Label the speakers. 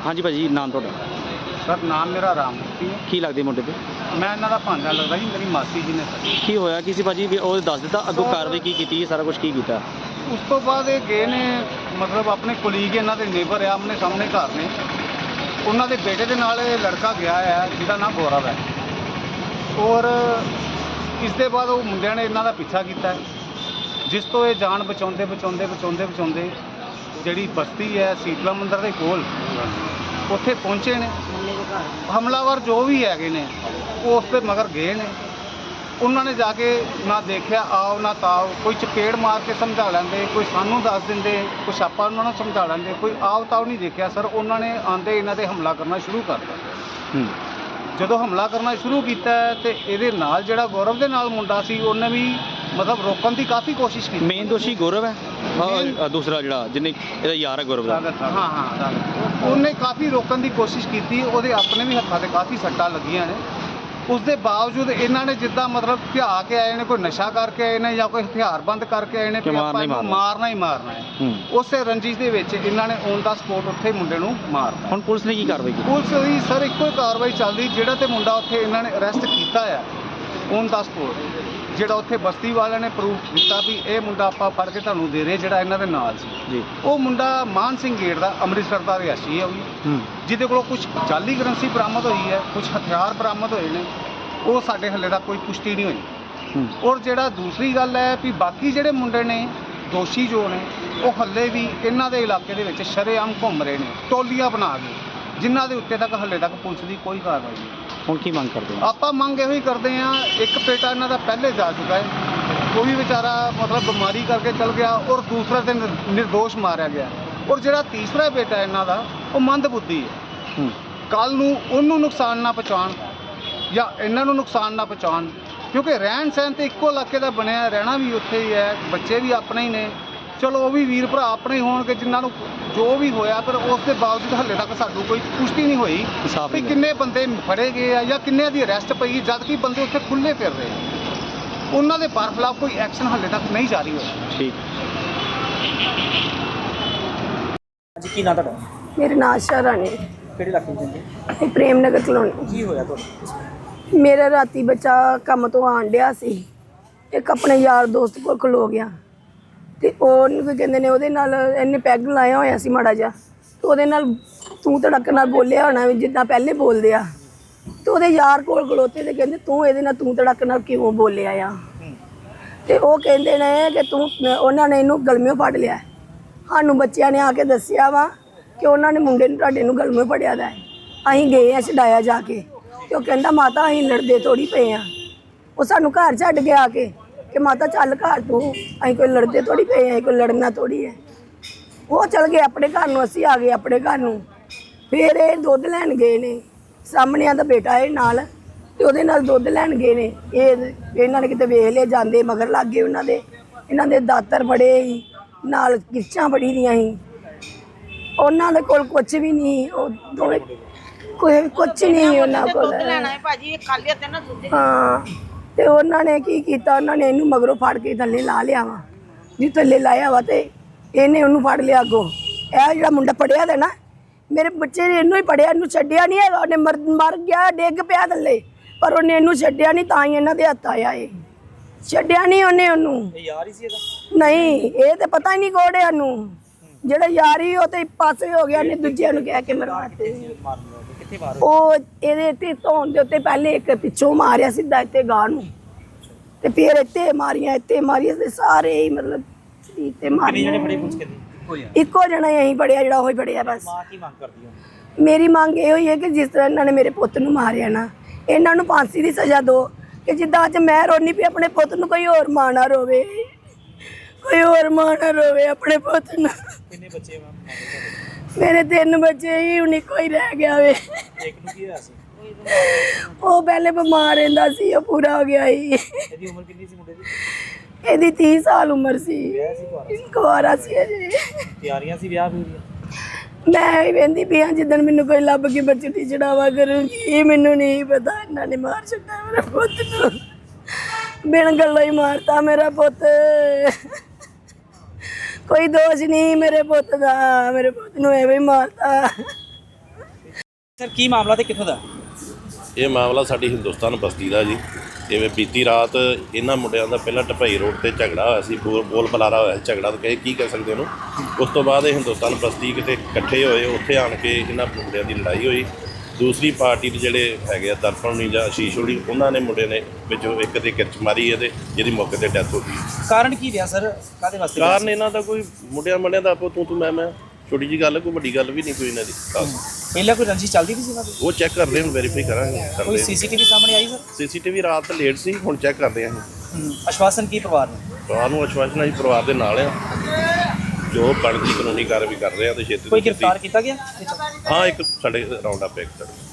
Speaker 1: हाँ जी भाजी, नाम थोड़ा?
Speaker 2: सर नाम मेरा राममूर्ति है।
Speaker 1: की लगते मुंडे पे?
Speaker 2: मैं इन्हों का भांजा लगता ही, मेरी मासी जी ने सर।
Speaker 1: की होया किसी भाजी वो दस दिता अगों कार्रवाई की कीती सारा कुछ की कीता?
Speaker 2: उस तो बाद ये गए ने मतलब अपने कुलीग इन्हों के नेबर है, आमने सामने घर ने, उन्होंने बेटे के नाल लड़का गया है जिसका नाम गौरव है, और इसके बाद वो मुंडिया ने इन्हों का पीछा किया है, जिस तो ये जान बचाते बचाते बचाते बचाते जी बस्ती है शीतला मंदिर के कोल उत्थे पहुँचे ने। हमलावर जो भी है ने वो उस मगर गए ने, उन्होंने जाके ना देखा आओ ना ताओ, कोई चपेड़ मार के समझा लेंदे, कोई सानू दस देंदे, कुछ आपा उन्होंने समझा लेंदे, कोई आओ ताओ नहीं देखा सर। उन्होंने आंदे इन्हों पर हमला करना शुरू करता। जो हमला करना शुरू किया तो ये जोड़ा गौरव के नाल मुंडा सी उन्हें भी मतलब रोकने की काफ़ी कोशिश की।
Speaker 1: मेन दोषी गौरव है, दूसरा जोड़ा जिन्हें यार है गौरव।
Speaker 2: हाँ हाँ, उन्हें काफ़ी रोकने की कोशिश की, वो अपने भी हत्थों से काफ़ी सट्टा लगियां ने। उसके बावजूद इन्होंने जिदा मतलब भिया के आए ने, कोई नशा करके आए ने या कोई हथियार बंद करके आए ने, मारना ही मारना है। उस रंजिश के इन्होंने ऑन द स्पॉट उत्थे मुंडे नूं मारता।
Speaker 1: हुण पुलिस ने की कार्रवाई की?
Speaker 2: पुलिस की सर एको ही कार्रवाई चल रही, जिहड़ा ते मुंडा उत्थे इन्होंने अरेस्ट किया है ऑन द स्पॉट, जिहड़ा उत्थे बस्ती वाले ने प्रूफ दिता भी ये मुंडा आपां फड़ के तुहानूं दे रहे, जिहड़ा इन्हां दे नाल सी। वो मुंडा मान सिंह गेट का अमृतसर का रिहायशी है, जिहदे कोलों कुछ जाली करंसी बरामद हुई है, कुछ हथियार बरामद होए ने, वो साडे हले तक कोई पुष्टि नहीं हुई। और जिहड़ा दूसरी गल है भी बाकी जिहड़े मुंडे ने दोषी जो ने वो हले भी इन्हां दे इलाके दे विच शरेआम घुम रहे ने, टोलियां बना के, जिन्हां दे उत्ते तक हले तक पुलिस की कोई कार्रवाई नहीं।
Speaker 1: हुण की मंग करदे हो?
Speaker 2: आपां मंग इहो ही करदे हां, एक बेटा इन्हां दा पहले जा चुका है, वो भी बेचारा मतलब बीमारी करके चल गया, और दूसरा दिन निर्दोष मारिया गया, और जिहड़ा तीसरा बेटा इन्हां दा वो मंदबुद्धि है। कल नूं उहनूं नुकसान ना पहुँचाउण या इन्हां नूं नुकसान ना पहुँचाउण, क्योंकि रहन सहन तो एको इलाके का बनया, रहना भी उत्थे ही है, बच्चे भी अपने ही ने, चलो वो भी वीर भरा अपने ही होणगे जिन्होंने जो भी होया, पर उसके बावजूद हले तक सानू कोई पुष्टि नहीं हुई कि किन्ने बंदे फड़े गए हैं या किन्ने दी अरेस्ट पई, जबकि बंदे उत्थे खुले फिर रहे हैं, उन्होंने दे बरखिलाफ कोई एक्शन हले तक नहीं जारी होया।
Speaker 1: ठीक जी, की नाम तुहाडा?
Speaker 3: मेरा नाम आशा राणी।
Speaker 1: किहड़े इलाके विच जी?
Speaker 3: प्रेम नगर कलोनी।
Speaker 1: की होया तुहाडा?
Speaker 3: मेरा राती बच्चा काम तो आन डिया सी, एक अपने यार दोस्त कोल खलो गया, तो वो कहते ने ਉਹਦੇ ਨਾਲ ਇਹਨੇ ਪੈਗ ਲਾਇਆ ਹੋਇਆ ਸੀ ਮਾੜਾ ਜਿਹਾ, ਤੇ ਉਹਦੇ ਨਾਲ ਤੂੰ ਧੜਕ ਨਾਲ ਬੋਲਿਆ ਹੋਣਾ ਵੀ ਜਿੱਦਾਂ ਪਹਿਲੇ ਬੋਲਦੇ ਆ, ਤੇ ਉਹਦੇ ਯਾਰ ਕੋਲ ਖਲੋਤੇ ਤੇ ਕਹਿੰਦੇ ਤੂੰ ਇਹਦੇ ਨਾਲ ਤੂੰ ਧੜਕ ਨਾਲ ਕਿਉਂ ਬੋਲਿਆ ਆ, ਤੇ ਉਹ ਕਹਿੰਦੇ ਨੇ ਕਿ ਤੂੰ ਉਹਨਾਂ ਨੇ ਇਹਨੂੰ ਗਲਮਿਓਂ ਫੜ ਲਿਆ। ਸਾਨੂੰ ਬੱਚਿਆਂ ਨੇ ਆ ਕੇ ਦੱਸਿਆ ਵਾ ਕਿ ਉਹਨਾਂ ਨੇ ਮੁੰਡੇ ਨੂੰ ਤੁਹਾਡੇ ਨੂੰ ਗਲਮਿਓਂ ਫੜਿਆ ਦਾ। ਅਸੀਂ ਗਏ ਆ ਛਡਾਇਆ ਜਾ ਕੇ, ਤੇ ਉਹ ਕਹਿੰਦਾ ਮਾਤਾ ਅਸੀਂ ਲੜਦੇ ਥੋੜੀ ਪਏ ਆ, ਉਹ ਸਾਨੂੰ ਘਰ ਛੱਡ ਕੇ ਆ ਕੇ कि माता चल घर तू, अं कोई लड़ते थोड़ी पे हैं, कोई लड़ना थोड़ी है। वो चल गए अपने घर में, असी आ गए अपने घर में। फिर ये दुध लैन गए ने, सामने का बेटा है नाल, ते ओहदे नाल दुध लैन गए ने, इन्हों ने किते वेख लिया जाते मगर लग गए, उन्होंने इन्हों दे दातर बड़े ही नाल किरचां बड़ी दियां ही, उन्होंने कोल कुछ भी नहीं, दोवें कोई कुछ नहीं उन्होंने कोल। हाँ, तो उन्होंने की किया, उन्होंने इनू मगरों फड़ के थले ला लिया वा, जी थले लाया वा, तो इन्हें उन्होंने फड़ लिया अगों। यह जो मुंडा पढ़िया था ना, मेरे बच्चे ने इनू ही पढ़िया, इनू छड्डिया नहीं है, उन्हें मर गया डिग पिया थले, पर उन्हें इनू छड्डिया नहीं, तां ही इन्हां दे हत्थ आया है, छड्डिया नहीं उन्हें उन्नू। नहीं, ये तो पता ही नहीं कोड़े उन्नू, जेड़ा यार ही वो तो पासे हो गया, इन्हें दूजे नूं कह के मरवाते। धोन के उत्ते पहले एक पिछों मारिया सीधा इत्ते गांह नूं, ते फिर इत्ते मारिया ते सारे ही मतलब इत्ते मारिया। इक्को जना यहीं पढ़िया, जेड़ा ओही पढ़िया बस। मेरी मांग ये है कि जिस तरह इन्होंने मेरे पुत नूं मारिया ना, इन्हां नूं फांसी की सज़ा दो, कि जिद्दां अज मैं रोनी पई अपने पुत नूं कोई होर मां ना रोवे, कोई होर मां ना रोवे अपने पुत नूं। मेरे 3 बच्चे ही, उन्हीं कोई रह गया वे। वो पहले बीमार रहिंदा सी, वो पूरा हो गया ही। ਇਹਦੀ 30 साल उम्र सी, कुआरा सी अजे। मैं ही वेंदी पई हां, जिद्दन मैनूं कोई लभ के बचड़ी चढ़ावा करूंगी, मैनूं नहीं पता इन्होंने मार छड्डा मेरे पुत नूं, बिन गल्लों ही मारता मेरा पुत। कोई दोष नहीं मेरे पुत दा, मेरे पुत नूं एवें ही मारता।
Speaker 4: ਸਰ ਕੀ ਮਾਮਲਾ ਤੇ ਕਿੱਥੋਂ ਦਾ?
Speaker 5: ਇਹ ਮਾਮਲਾ ਸਾਡੀ ਹਿੰਦੁਸਤਾਨ ਬਸਤੀ ਦਾ ਜੀ। ਜਿਵੇਂ ਬੀਤੀ ਰਾਤ ਇਹਨਾਂ ਮੁੰਡਿਆਂ ਦਾ ਪਹਿਲਾਂ ਢਪਈ ਰੋਡ ਤੇ ਝਗੜਾ ਹੋਇਆ ਸੀ, ਬੋਲ ਬੁਲਾਰਾ ਹੋਇਆ ਸੀ, ਝਗੜਾ ਤਾਂ ਕੀ ਕਹਿ ਸਕਦੇ ਉਹਨੂੰ। ਉਸ ਤੋਂ ਬਾਅਦ ਇਹ ਹਿੰਦੁਸਤਾਨ ਬਸਤੀ ਕਿਤੇ ਇਕੱਠੇ ਹੋਏ, ਉੱਥੇ ਆਣ ਕੇ ਇਹਨਾਂ ਮੁੰਡਿਆਂ ਦੀ ਲੜਾਈ ਹੋਈ। ਦੂਸਰੀ ਪਾਰਟੀ ਦੇ ਜਿਹੜੇ ਹੈਗੇ ਆ ਦਰਪਣ ਨਹੀਂ ਜਾਂ ਆਸ਼ੀਸ਼ ਹੋਣੀ, ਉਹਨਾਂ ਨੇ ਮੁੰਡੇ ਨੇ ਵਿੱਚੋਂ ਇੱਕ ਦੇ ਕਿਰਚ ਮਾਰੀ ਇਹਦੇ, ਜਿਹਦੀ ਮੌਕੇ ਤੇ ਡੈਥ ਹੋ ਗਈ।
Speaker 4: ਕਾਰਨ ਕੀ ਰਿਹਾ ਸਰ? ਕਾਹਦੇ ਵਾਸਤੇ?
Speaker 5: ਕਾਰਨ ਇਹਨਾਂ ਦਾ ਕੋਈ ਮੁੰਡਿਆਂ ਦਾ ਆਪੋ ਤੂੰ ਮੈਂ ਛੋਟੀ ਜੀ ਗੱਲ, ਕੋਈ ਵੱਡੀ ਗੱਲ ਵੀ ਨਹੀਂ ਕੋਈ ਇਹਨਾਂ ਦੀ ਖਾਸ।
Speaker 4: ਪਹਿਲਾਂ ਕੋਈ ਰੰਜਿਸ਼ ਚੱਲਦੀ ਵੀ ਸੀ ਇਹਨਾਂ ਦੀ?
Speaker 5: ਉਹ ਚੈੱਕ ਕਰਦੇ ਹੁਣ, ਵੈਰੀਫਾਈ ਕਰਾਂਗੇ।
Speaker 4: ਕੋਈ
Speaker 5: ਕਰਦੇ
Speaker 4: ਸੀਸੀਟੀਵੀ ਸਾਹਮਣੇ ਆਈ ਸਰ?
Speaker 5: ਸੀਸੀਟੀਵੀ ਰਾਤ ਲੇਟ ਸੀ, ਹੁਣ ਚੈੱਕ ਕਰਦੇ ਆਂ ਅਸੀਂ।
Speaker 4: ਆਸ਼ਵਾਸਨ ਕੀ ਪਰਿਵਾਰ ਨੂੰ?
Speaker 5: ਪਰਿਵਾਰ ਨੂੰ ਆਸ਼ਵਾਸਨ ਅਸੀਂ ਪਰਿਵਾਰ ਦੇ ਨਾਲ ਆ, ਜੋ ਬਣਦੀ ਕਾਨੂੰਨੀ ਕਾਰਵਾਈ ਕਰ ਰਹੇ ਆ ਤੇ ਛੇਤੀ
Speaker 4: ਕੋਈ
Speaker 5: ਤੋਂ ਛੇਤੀ।
Speaker 4: ਗ੍ਰਿਫਤਾਰ ਕੀਤਾ ਗਿਆ?
Speaker 5: ਹਾਂ, ਇੱਕ ਸਾਡੇ ਰਾਉਂਡ ਅਪ ਇੱਕ